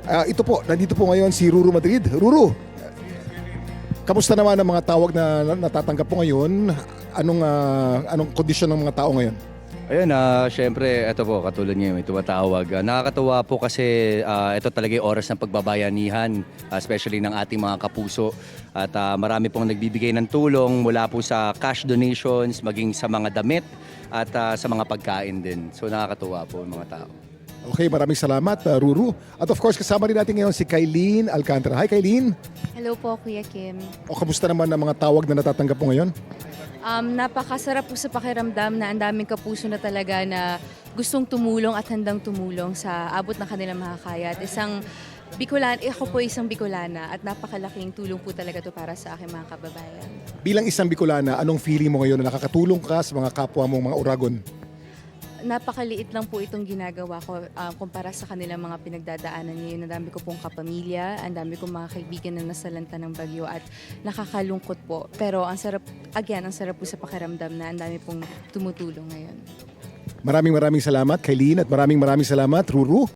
Ito po, nandito po ngayon si Ruru Madrid. Ruru, kamusta naman ang mga tawag na natatanggap po ngayon? Anong kondisyon ng mga tao ngayon? Ayun, syempre, ito po, katulad niyo, may tumatawag. Nakakatuwa po kasi ito talaga yung oras ng pagbabayanihan, especially ng ating mga kapuso. At marami pong nagbibigay ng tulong mula po sa cash donations, maging sa mga damit at sa mga pagkain din. So nakakatuwa po yung mga tao. Okay, maraming salamat, Ruru. At of course, kasama rin natin ngayon si Kylene Alcantara. Hi, Kylene. Hello po, Kuya Kim. O kamusta naman ang mga tawag na natatanggap mo ngayon? Napakasarap po sa pakiramdam na ang daming kapuso na talaga na gustong tumulong at handang tumulong sa abot ng kanilang makakaya. At ako po isang Bicolana at napakalaking tulong po talaga to para sa aking mga kababayan. Bilang isang Bicolana, anong feeling mo ngayon na nakakatulong ka sa mga kapwa mong mga Uragon? Napakaliit lang po itong ginagawa ko kumpara sa kanilang mga pinagdadaanan ngayon. Ang dami ko pong kapamilya, ang dami kong mga kaibigan na nasalanta ng bagyo at nakakalungkot po. Pero ang sarap po sa pakiramdam na ang dami pong tumutulong ngayon. Maraming salamat, Kylene, at maraming salamat, Ruru.